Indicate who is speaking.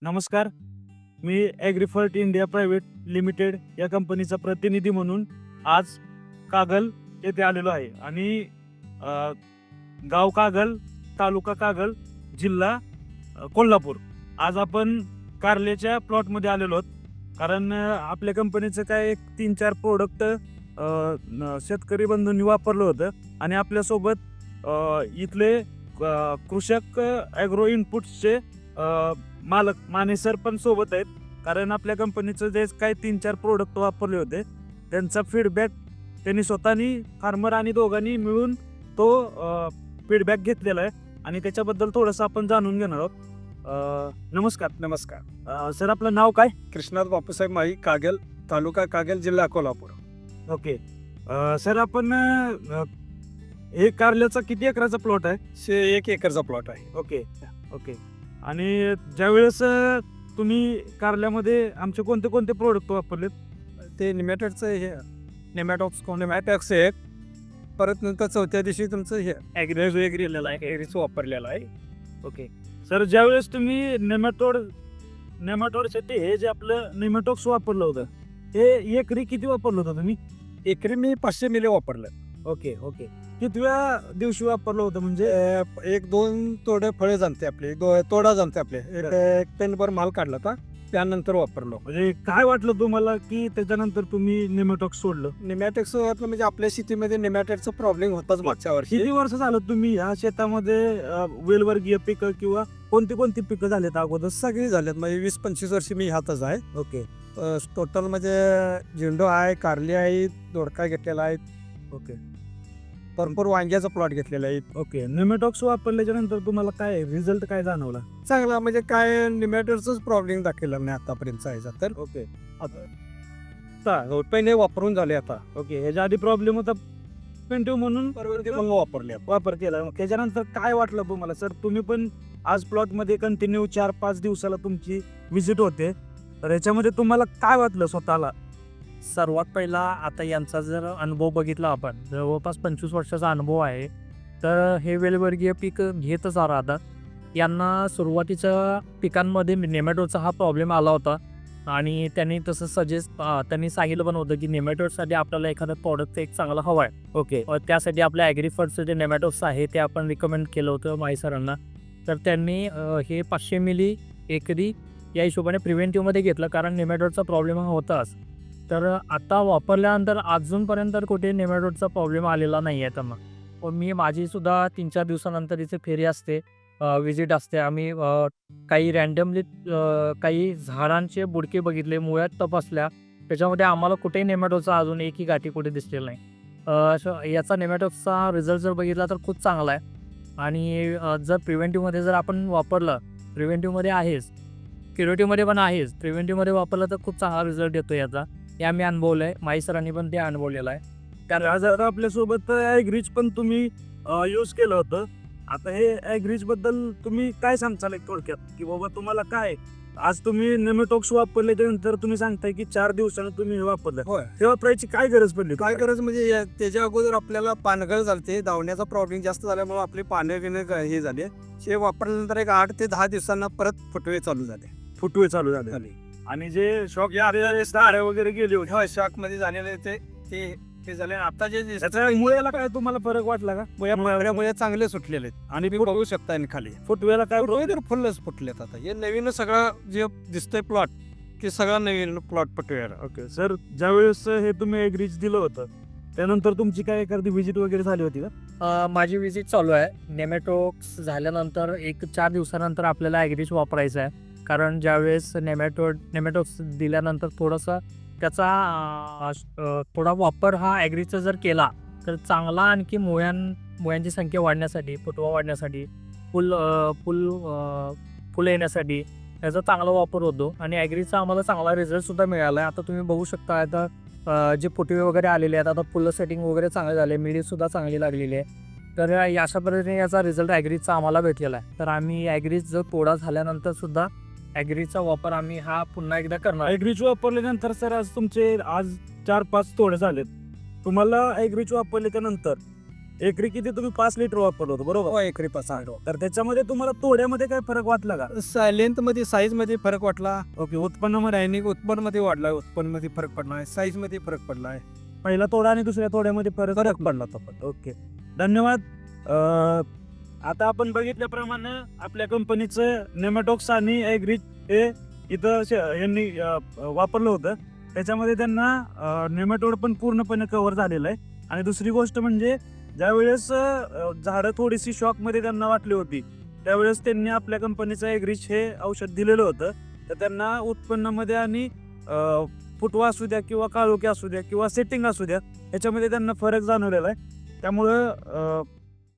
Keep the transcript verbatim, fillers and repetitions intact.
Speaker 1: नमस्कार. मी Agrifert India private limited या कंपनीचा प्रतिनिधी म्हणून आज कागल येथे आलेलो आहे आणि अ, गाव कागल, तालुका कागल, जिल्हा अ, कोल्हापूर. आज आपण कारल्याच्या प्लॉटमध्ये आलेलो आहोत कारण अ, आपल्या कंपनीचं काय एक तीन चार प्रोडक्ट शेतकरी बंधूंनी वापरलं होतं आणि आपल्यासोबत अ, इथले अ, कृषक ॲग्रो इनपुट्सचे मालक माने सर पण सोबत आहेत. कारण आपल्या कंपनीचं जे काही तीन चार प्रोडक्ट वापरले होते त्यांचा फीडबॅक त्यांनी स्वतःनी फार्मर आणि दोघांनी मिळून तो फीडबॅक घेतलेला आहे आणि त्याच्याबद्दल थोडंसं आपण जाणून घेणार आहोत. अ, नमस्कार.
Speaker 2: नमस्कार.
Speaker 1: अ, सर आपलं नाव काय?
Speaker 2: कृष्णात बापूसाहेब माई, कागल, तालुका कागल, जिल्हा कोल्हापूर.
Speaker 1: ओके. अ, सर आपण अ, हे कारल्याचा किती एकराचा प्लॉट आहे?
Speaker 2: शे एक एकरचा प्लॉट आहे.
Speaker 1: Okay okay. आणि ज्यावेळेस अ, तुम्ही कारल्यामध्ये आमचे कोणते कोणते प्रोडक्ट वापरलेत?
Speaker 2: ते निमॅटोडचं हे निमॅटॉक्स निमॅटॉक्स एक, परत नंतर चौथ्या दिवशी तुमचं हे ॲग्रेज वेगळं आहे, ॲग्रीच वापरलेलं आहे.
Speaker 1: ओके. सर ज्यावेळेस तुम्ही नेमॅटोड नेमॅटोडसाठी हे जे आपलं नेमॅटॉक्स वापरलं होतं हे एकरी किती वापरलं होतं तुम्ही?
Speaker 2: एकरी मी पाचशे मिली वापरलं.
Speaker 1: Okay okay. कितव्या दिवशी वापरलं होतं म्हणजे?
Speaker 2: अ, एक दोन तोडे फळे जमते आपले, दो तोडा जमते आपले, एक एक पेनभर माल काढला होता त्यानंतर वापरलो.
Speaker 1: म्हणजे काय वाटलं तुम्हाला की त्याच्यानंतर तुम्ही नेमॅटॉक्स सोडलं?
Speaker 2: निमॅटॉक्स म्हणजे आपल्या शेतीमध्ये निमॅटॉडचा प्रॉब्लेम होताच मागच्या वर्षी.
Speaker 1: किती वर्ष झालं तुम्ही ह्या शेतामध्ये अ, वेलवर्गीय पिकं किंवा कोणती कोणती पिकं झालेत अगोदर?
Speaker 2: सगळी झालेत म्हणजे वीस पंचवीस वर्षी मी ह्यातच आहे.
Speaker 1: ओके
Speaker 2: टोटल म्हणजे झेंडू आहे, कारली आहे, दोडका घेतलेला आहे,
Speaker 1: ओके
Speaker 2: भरपूर वांग्याचा प्लॉट घेतलेला आहे.
Speaker 1: ओके. नेमॅटॉक्स वापरल्याच्या नंतर तुम्हाला काय रिझल्ट काय जाणवला?
Speaker 2: चांगला म्हणजे काय निमॅटोडचाच प्रॉब्लेम दाखवला नाही आतापर्यंत आहे तर
Speaker 1: ओके
Speaker 2: आता पहिले वापरून झाले आता
Speaker 1: ओके. ह्याच्या आधी प्रॉब्लेम होता पेंटिव्ह म्हणून
Speaker 2: परवरती मग वापरले आपण.
Speaker 1: वापर केला. मग त्याच्यानंतर काय वाटलं तुम्हाला सर? तुम्ही पण आज प्लॉटमध्ये कंटिन्यू चार पाच दिवसाला तुमची व्हिजिट होते तर याच्यामध्ये तुम्हाला काय वाटलं स्वतःला?
Speaker 3: सर्वात पहिला आता यांचा जर अनुभव बघितला आपण, जवळपास पंचवीस वर्षाचा अनुभव आहे, तर हे वेलवर्गीय पीक घेतच राहतात. यांना सुरुवातीच्या पिकांमध्ये नेमॅटोडचा हा प्रॉब्लेम आला होता आणि त्यांनी तसं सजेस्ट त्यांनी सांगितलं पण होतं की नेमॅटोडसाठी आपल्याला एखादं प्रॉडक्ट एक चांगला हवा आहे.
Speaker 1: ओके
Speaker 3: अ, त्यासाठी आपल्या ॲग्रीफर्टचं जे नेमॅटोड्स आहे ते आपण रिकमेंड केलं होतं माई सरांना. तर त्यांनी अ, हे पाचशे मिली एकरी या हिशोबाने प्रिव्हेंटिव्हमध्ये घेतलं कारण नेमॅटोडचा प्रॉब्लेम हा होताच. तर आता वापरल्यानंतर अजूनपर्यंत कुठे नेमॅटोडचा प्रॉब्लेम आलेला नाही आहे त्यांना. पण मी माझीसुद्धा तीन चार दिवसानंतर इथे फेरी असते, विजिट असते. आम्ही अ, काही रँडमली काही झाडांचे बुडके बघितले, मुळ्यात तपासल्या, त्याच्यामध्ये आम्हाला कुठेही नेमॅटोडचा अजून एकही गाठी कुठे दिसलेला नाही. अ, असं याचा नेमॅटोडचा रिझल्ट जर बघितला तर खूप चांगला आहे आणि अ, जर प्रिव्हेंटिव्हमध्ये जर आपण वापरलं, प्रिव्हेंटिव्हमध्ये आहेच, क्युरेटिव्हमध्ये पण आहेच, प्रिव्हेंटिव्हमध्ये वापरलं तर खूप चांगला रिझल्ट येतो याचा. हे आम्ही अनुभवलं आहे, माई सरांनी पण ते अनुभवलेलं आहे.
Speaker 1: कारण आज आता आपल्यासोबत ॲग्रीज पण तुम्ही यूज केलं होतं. आता हे ॲग्रीज बद्दल तुम्ही काय सांगताल एक थोडक्यात की बाबा तुम्हाला काय आज तुम्ही नेमॅटॉक्स वापरल्याच्या नंतर तुम्ही सांगताय की चार दिवसानं तुम्ही हे वापरलं,
Speaker 2: होय.
Speaker 1: तेव्हा वापरायची काय गरज पडली?
Speaker 2: काय गरज म्हणजे या- त्याच्या अगोदर आपल्याला पानगळ झालते, धावण्याचा प्रॉब्लेम जास्त झाल्यामुळे आपले पानं बिनं ग- हे झाले. हे वापरल्यानंतर एक आठ ते दहा दिवसांना परत फुटवे चालू झाले
Speaker 1: फुटवे चालू झाले
Speaker 2: झाले.
Speaker 1: आणि जे शॉक झाडे वगैरे गेली होती
Speaker 2: होय, शॉक मध्ये झालेले ते ते हे झाले. आता जे जे-
Speaker 1: त्याच्या मुळ्याला काय तुम्हाला फरक वाटला का?
Speaker 2: मुळ्यामुळे चांगले सुटलेले आहेत आणि ते बघू शकता आणि खाली
Speaker 1: फुटवेला काय
Speaker 2: फुटवे तर फुलच फुटलेत. आता हे नवीन सगळं जे दिसतंय प्लॉट की सगळं नवीन प्लॉट फुटवे.
Speaker 1: ओके सर, ज्यावेळेस हे तुम्ही ॲग्रीज दिलं होतं त्यानंतर तुमची काय एखादी व्हिजिट वगैरे झाली होती का?
Speaker 3: अ, माझी विजिट चालू आहे. नेमॅटोड्स झाल्यानंतर एक चार दिवसानंतर आपल्याला ॲग्रीज वापरायचं आहे कारण ज्यावेळेस नेमॅटोड नेमॅटोड्स दिल्यानंतर थोडंसं त्याचा अ, अ, थोडा वापर हा ॲग्रीचा जर केला तर चांगला आणखी मुळ्यां मुळ्यांची संख्या वाढण्यासाठी, फुटवा वाढण्यासाठी, फुल अ, फुल अ, फुलं येण्यासाठी याचा चांगला वापर होतो आणि ॲग्रीचा आम्हाला चांगला रिझल्टसुद्धा मिळाला आहे. आता तुम्ही बघू शकता आता अ, जे फुटवे वगैरे आलेले आहेत, आता फुलं सेटिंग वगैरे चांगले झाले, मिडीसुद्धा चांगली लागलेली आहे. तर या- अशा पद्धतीने याचा रिझल्ट ॲग्रीचा आम्हाला भेटलेला आहे. तर आम्ही ॲग्रीज जर तोडा झाल्यानंतर सुद्धा ॲग्रीचा वापर आम्ही हा पुन्हा एकदा करणार आहे.
Speaker 1: ॲग्रीज वापरल्यानंतर सर आज तुमचे आज चार पाच तोडे झालेत. तुम्हाला ॲग्रीज वापरल्याच्या नंतर एकरी किती तुम्ही पाच लिटर वापरलं होतं बरोबर.
Speaker 2: हो एकरी पाच आठ
Speaker 1: तर त्याच्यामध्ये तुम्हाला तोड्यामध्ये काय फरक वाटला का?
Speaker 2: लेंथ मध्ये साईज मध्ये फरक वाटला.
Speaker 1: ओके. उत्पन्नामध्ये
Speaker 2: दैनिक उत्पन्न मध्ये वाढला, उत्पन्न मध्ये फरक पडला आहे, साईज मध्ये फरक पडला आहे.
Speaker 1: पहिला तोडा आणि दुसऱ्या तोड्यामध्ये फरक
Speaker 2: फरक
Speaker 1: पडला होता. ओके, धन्यवाद. अं, आता आपण बघितल्याप्रमाणे आपल्या कंपनीचं नेमॅटॉक्स आणि ॲग्रीज हे इथं श- यांनी अं, वापरलं होतं. त्याच्यामध्ये त्यांना नेमॅटोड पण पूर्णपणे कव्हर झालेलं आहे. आणि दुसरी गोष्ट म्हणजे ज्यावेळेस अं, झाडं थोडीशी शॉकमध्ये त्यांना वाटली होती त्यावेळेस त्यांनी आपल्या कंपनीचं ॲग्रीज हे औषध दिलेलं होतं. तर त्यांना उत्पन्नामध्ये आणि अं, फुटवा असू द्या किंवा काळोखी असू द्या किंवा सेटिंग असू द्या ह्याच्यामध्ये त्यांना फरक जाणवलेला आहे. त्यामुळं अं,